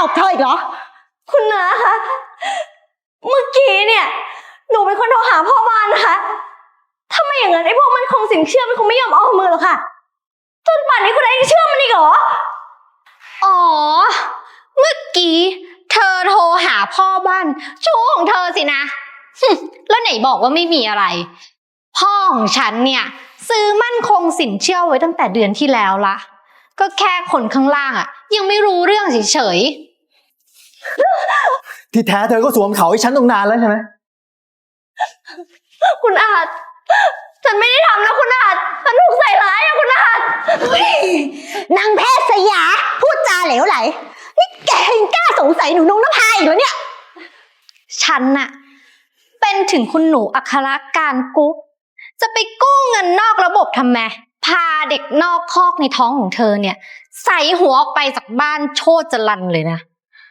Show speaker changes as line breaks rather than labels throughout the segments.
บเธออีกเหรอ
คุณน้าคะเมื่อกี้เนี่ยหนูเป็นคนโทรหาพ่อบ้านนะคะถ้าไม่อย่างนั้นไอ้พวกมันคงสินเชื่อมันคงไม่ยอมเอามือหรอกค่ะจนป่านนี้คุณน้ายังเชื่อมันอีกเหรอ
อ๋อเมื่อกี้เธอโทรหาพ่อบ้านชู้ของเธอสินะแล้วไหนบอกว่าไม่มีอะไรพ่อของฉันเนี่ยซื้อมั่นคงสินเชื่อไว้ตั้งแต่เดือนที่แล้วละก็แค่คนข้างล่างอ่ะยังไม่รู้เรื่องเฉย
ๆที่แท้เธอก็สวมเขาให้ฉันตั้งนานแล้วใช่ไหม
คุณอาจฉันไม่ได้ทำนะคุณอาจฉันถูกใส่ร้ายอะคุณอาจ
นางแพทย์สยาพูดจาเหลวไหลนี่แกยังกล้าสงสัยหนูนงนภาอีกเหรอเนี่ย
ฉันน่ะเป็นถึงคุณหนูอัครการกุ๊กจะไปกู้เงินนอกระบบทำไมพาเด็กนอกคอกในท้องของเธอเนี่ยใส่หัวออกไปจากบ้านโชติจรัญเลยนะ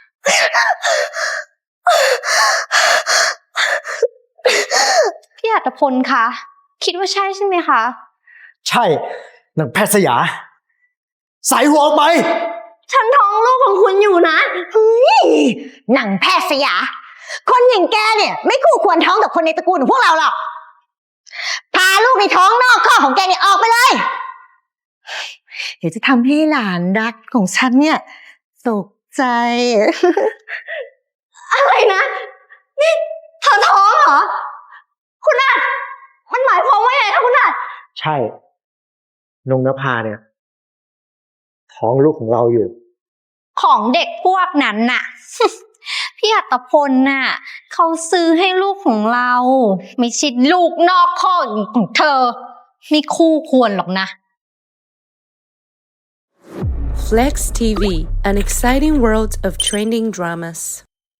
พี่อัตพลคะคิดว่าใช่ใช่ไหมคะ
ใช่นางแพทย์สยาใส่หัวออกไป
ฉันท้องลูกของคุณอยู่นะ
เฮ้ยนางแพทย์สยาคนอย่างแกเนี่ยไม่คู่ควรท้องกับคนในตระกูลของพวกเราหรอกพาลูกในท้องนอกคอกของแกเนี่ยออกไปเลยเดี๋ยวจะทำให้หลานรักของฉันเนี่ยตกใจ
อะไรนะนี่เธอท้องเหรอคุณอาจมันหมายความว่าไงคะคุณอาจ
ใช่นงนภาเนี่ยท้องลูกของเราอยู่
ของเด็กพวกนั้นน่ะ พี่อัตพลน่ะเขาซื้อให้ลูกของเราไม่ใช่ลูกนอกคอกของเธอไม่คู่ควรหรอกนะ
Flex TV, an exciting world of trending dramas.